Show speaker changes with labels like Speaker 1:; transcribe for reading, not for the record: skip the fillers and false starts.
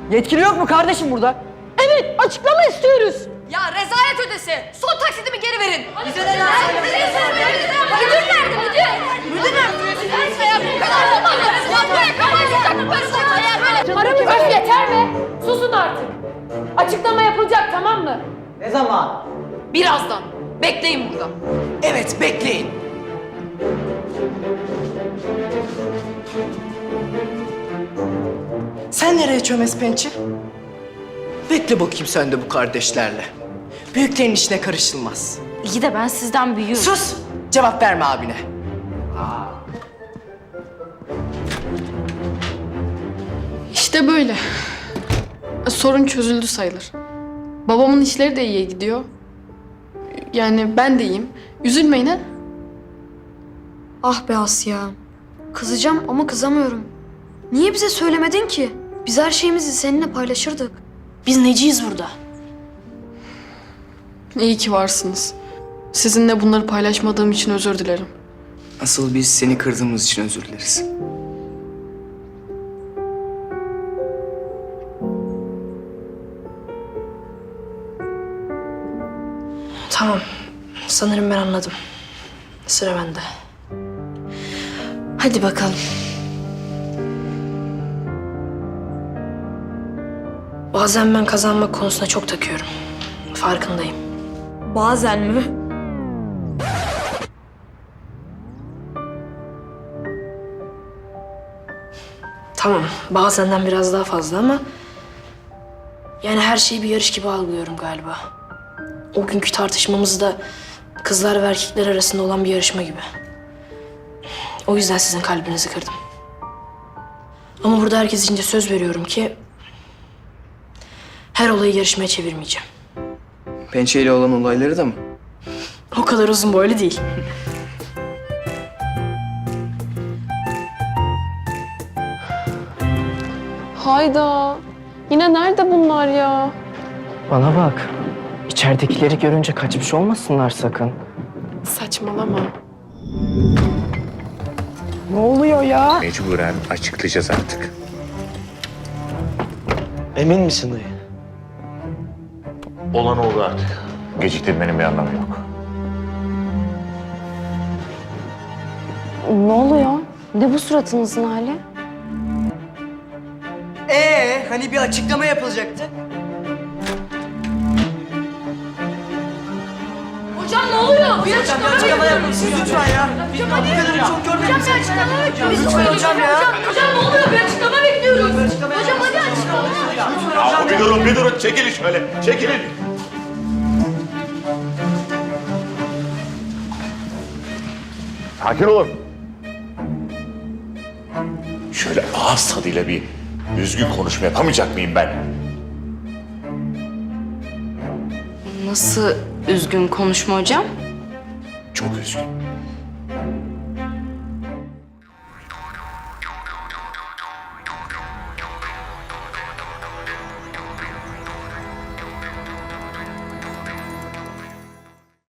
Speaker 1: Yetkili yok mu kardeşim burada?
Speaker 2: Evet, açıklama istiyoruz.
Speaker 3: Ya rezalet ödesi. Son taksitimi geri verin.
Speaker 2: Müdür nerede?
Speaker 3: Müdür nerede? Müdür nerede? Ya bu kadar olmaz. Böyle kapalı parası ya böyle.
Speaker 2: Aramız öf yeter be. Susun artık. Açıklama yapılacak, tamam mı?
Speaker 1: Ne zaman?
Speaker 3: Birazdan. Bekleyin burada.
Speaker 4: Evet, bekleyin. Sen nereye çömez pençe? Bekle bakayım sen de bu kardeşlerle. Büyüklerin işine karışılmaz.
Speaker 3: İyi de ben sizden büyüğüm.
Speaker 4: Sus! Cevap verme abine.
Speaker 5: İşte böyle. Sorun çözüldü sayılır. Babamın işleri de iyiye gidiyor. Yani ben de iyiyim. Üzülmeyin ha.
Speaker 6: Ah be Asya. Kızacağım ama kızamıyorum. Niye bize söylemedin ki? Biz her şeyimizi seninle paylaşırdık. Biz neciyiz burada?
Speaker 5: İyi ki varsınız. Sizinle bunları paylaşmadığım için özür dilerim.
Speaker 4: Asıl biz seni kırdığımız için özür dileriz.
Speaker 6: Tamam. Sanırım ben anladım. Sıra bende. Hadi bakalım. Bazen ben kazanmak konusuna çok takıyorum. Farkındayım. Bazen mi? Tamam, bazenden biraz daha fazla ama... Yani her şeyi bir yarış gibi algılıyorum galiba. O günkü tartışmamız da kızlar ve erkekler arasında olan bir yarışma gibi. O yüzden sizin kalbinizi kırdım. Ama burada herkes içince söz veriyorum ki... her olayı yarışmaya çevirmeyeceğim.
Speaker 4: Pençeyle olan olayları da mı?
Speaker 6: O kadar uzun boylu değil.
Speaker 5: Hayda. Yine nerede bunlar ya?
Speaker 7: Bana bak. İçeridekileri görünce kaçmış olmasınlar sakın.
Speaker 5: Saçmalama.
Speaker 7: Ne oluyor ya?
Speaker 8: Mecburen açıklayacağız artık.
Speaker 7: Emin misin dayı?
Speaker 8: Olan oldu artık. Geciktirmenin bir anlamı yok.
Speaker 9: Ne oluyor? Ne bu suratınızın hali?
Speaker 4: Hani bir açıklama yapılacaktı?
Speaker 3: Hocam ne oluyor? Bir açıklama
Speaker 4: yapın siz lütfen ya. Biz bu kadarını çok görmedik. Lütfen hocam ya.
Speaker 3: Hocam ne oluyor? Bir açıklama bekliyoruz. Hocam hadi açıklama.
Speaker 8: Ya bir durun. Çekilin şöyle. Çekilin. Sakin olun. Şöyle ağız tadıyla bir düzgün konuşma yapamayacak mıyım ben?
Speaker 9: Nasıl üzgün konuşma hocam?
Speaker 8: Çok üzgün.